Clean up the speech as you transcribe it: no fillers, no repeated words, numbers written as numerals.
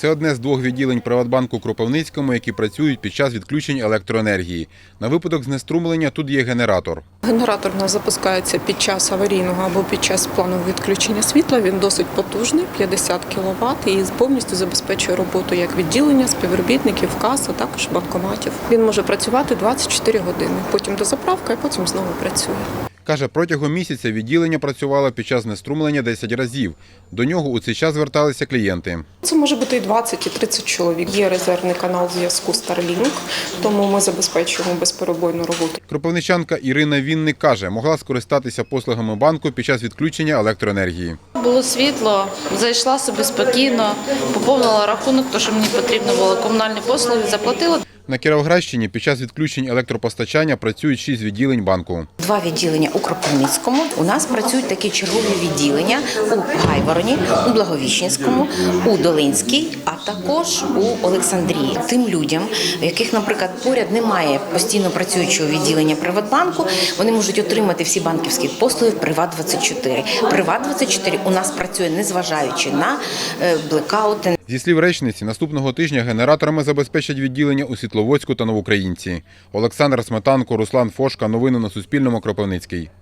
Це одне з двох відділень Приватбанку у Кропивницькому, які працюють під час відключень електроенергії. На випадок знеструмлення тут є генератор. Генератор у нас запускається під час аварійного або під час планового відключення світла. Він досить потужний, 50 кВт, і повністю забезпечує роботу як відділення, співробітників, кас, а також банкоматів. Він може працювати 24 години, потім дозаправка і потім знову працює. Каже, протягом місяця відділення працювало під час знеструмлення 10 разів. До нього у цей час зверталися клієнти. Це може бути і 20, і 30 чоловік. Є резервний канал зв'язку Starlink, тому ми забезпечуємо безперебойну роботу. Кропивничанка Ірина Вінник каже, могла скористатися послугами банку під час відключення електроенергії. Було світло, зайшла собі спокійно, поповнила рахунок, тому що мені потрібно було комунальні послуги, заплатила. На Кіровоградщині під час відключень електропостачання працюють 6 відділень банку. 2 відділення у Кропивницькому. У нас працюють такі чергові відділення у Гайвороні, у Благовіщенському, у Долинській, а також у Олександрії. Тим людям, в яких, наприклад, поряд немає постійно працюючого відділення Приватбанку, вони можуть отримати всі банківські послуги в Приват24. Приват24 у нас працює, незважаючи на блекаути. Зі слів речниці, наступного тижня генераторами забезпечать відділення у Світловодську та Новоукраїнці. Олександр Сметанко, Руслан Фошка. Новини на Суспільному. Кропивницький.